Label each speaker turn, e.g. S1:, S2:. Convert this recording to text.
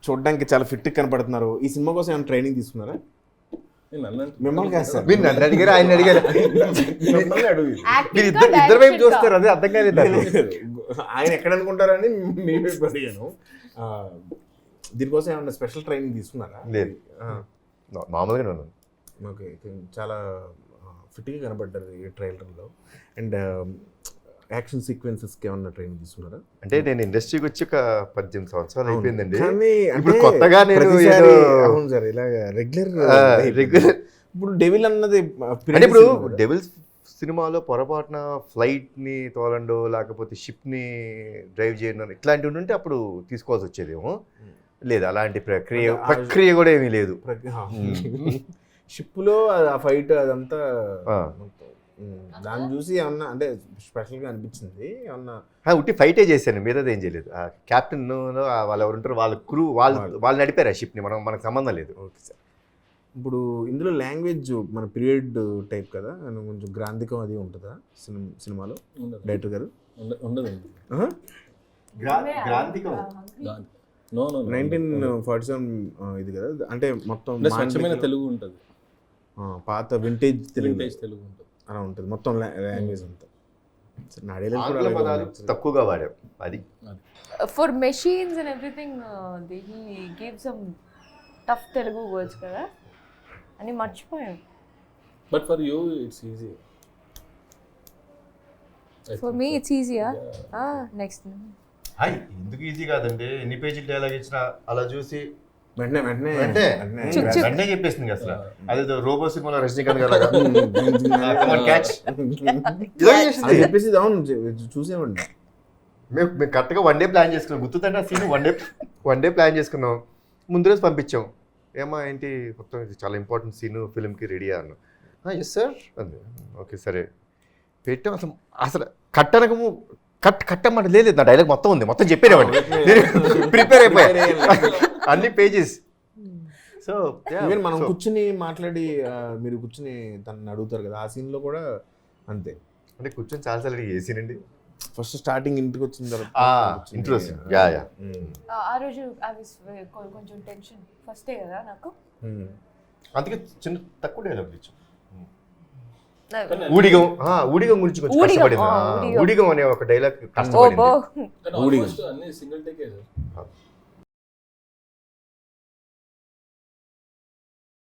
S1: చూడడానికి చాలా ఫిట్ కనపడుతున్నారు. ఈ సినిమా కోసం ఏమైనా ట్రైనింగ్ తీసుకున్నారా? మిమ్మల్ని కాదు సార్,
S2: మీరు నన్ను అడిగారు, ఆయన అడిగారు.
S1: మిమ్మల్ని అడుగు.
S2: మీరు ఇద్దరు వైపు చూస్తారు, అదే అర్థం కాలేదు.
S1: ఆయన ఎక్కడ అనుకుంటారని మీ వైపు అడిగాను. దీనికోసం ఏమన్నా స్పెషల్ ట్రైనింగ్ తీసుకున్నారా?
S2: లేదు, మామూలుగానే ఉన్నాను.
S1: ఓకే, చాలా ఫిట్గా కనపడ్డారు ఈ ట్రైలర్లో. అండ్ యాక్షన్ సీక్వెన్సెస్కి ఏమన్నా ట్రైనింగ్ తీసుకున్నారా?
S2: అంటే నేను ఇండస్ట్రీకి వచ్చి ఒక 18 సంవత్సరాలు అయిపోయిందండి.
S1: కానీ
S2: ఇప్పుడు కొత్తగా నేను
S1: అవును సార్, ఇలా రెగ్యులర్ ఇప్పుడు డెవిల్ అన్నది
S2: అంటే ఇప్పుడు డెవిల్స్ సినిమాలో పొరపాటున ఫ్లైట్ని తోలండో లేకపోతే షిప్ని డ్రైవ్ చేయడం ఇట్లాంటివి ఉంటే అప్పుడు తీసుకోవాల్సి వచ్చేదేమో. లేదు, అలాంటి ప్రక్రియ కూడా ఏమీ లేదు.
S1: షిప్లో ఆ ఫైట్ అదంతా దాన్ని చూసి ఏమన్నా అంటే స్పెషల్గా అనిపించింది ఏమన్నా?
S2: ఉట్టి ఫైటే చేశాను, మీరేది ఏం చేయలేదు. ఆ క్యాప్టెన్ వాళ్ళు ఎవరు ఉంటారు, వాళ్ళ క్రూ వాళ్ళు నడిపారు ఆ షిప్ని, మనకు సంబంధం లేదు.
S1: Okay sir. ఇప్పుడు ఇందులో లాంగ్వేజ్ మన పీరియడ్ టైప్ కదా, కొంచెం గ్రాంధికం అది ఉంటుందా సినిమాలో డైరెక్టర్ గారు?
S3: ఉండదు.
S1: 1947 ఇది కదా, అంటే మొత్తం
S3: స్వచ్ఛమైన తెలుగు ఉంటుంది,
S1: పాత వింటేజ్ తెలుగు
S3: ఉంటుంది
S1: అలా ఉంటుంది మొత్తం లాంగ్వేజ్ అంతా.
S2: తక్కువగా వాడాం అది.
S4: For machines and everything he give some tough Telugu words కదా అని మర్చిపోయాం.
S3: But for you it's easy.
S4: For me it's ఈజీయా? నెక్స్ట్
S2: ఎందుకు ఈజీ కాదండి, ఎన్ని పేజీలు డైలాగ్ ఇచ్చినా అలా చూసి
S1: వెంటనే
S2: చెప్పేస్తుంది అసలు. అదే రోబో సినిమాలో రజనీకాంత్ గారు
S1: చెప్పేసి చూసేవాడిని.
S2: మేము కరెక్ట్గా 1 డే ప్లాన్ చేసుకున్నాం, గుర్తుందంటే ఆ సీన్ 1 డే ప్లాన్ చేసుకున్నాం. ముందు రోజు పంపించాం, ఏమా ఏంటి మొత్తం ఇది చాలా ఇంపార్టెంట్ సీన్ ఫిల్మ్కి రెడీ అన్నాను. ఎస్ సార్ అంది. ఓకే సరే పెట్టాం. అసలు కట్టనకము కట్టమాట లేదు, నా డైలాగ్ మొత్తం ఉంది, మొత్తం చెప్పేవాడిని, ప్రిపేర్ అయిపోయాయి అన్ని పేజెస్. సో
S1: మనం కూర్చుని మాట్లాడి మీరు కూర్చుని తనని అడుగుతారు కదా, ఆ సీన్లో కూడా అంతే.
S2: అంటే కూర్చొని చాలాసార్లు ఏ సీన్ అండి?
S1: ఫస్ట్ స్టార్టింగ్ ఇంటికి వచ్చిన తర్వాత
S2: ఇంట్రెస్ట్.
S4: ఆ రోజు కొంచెం టెన్షన్ ఫస్టే కదా నాకు,
S2: అందుకే చిన్న తక్కువ డైలాగ్ ఇచ్చాం. ఊడిగం గురించి కొంచెం కష్టపడింది. ఊడిగం అనే ఒక డైలాగ్ కష్టపడింది.
S3: అన్ని సింగిల్ టేకే.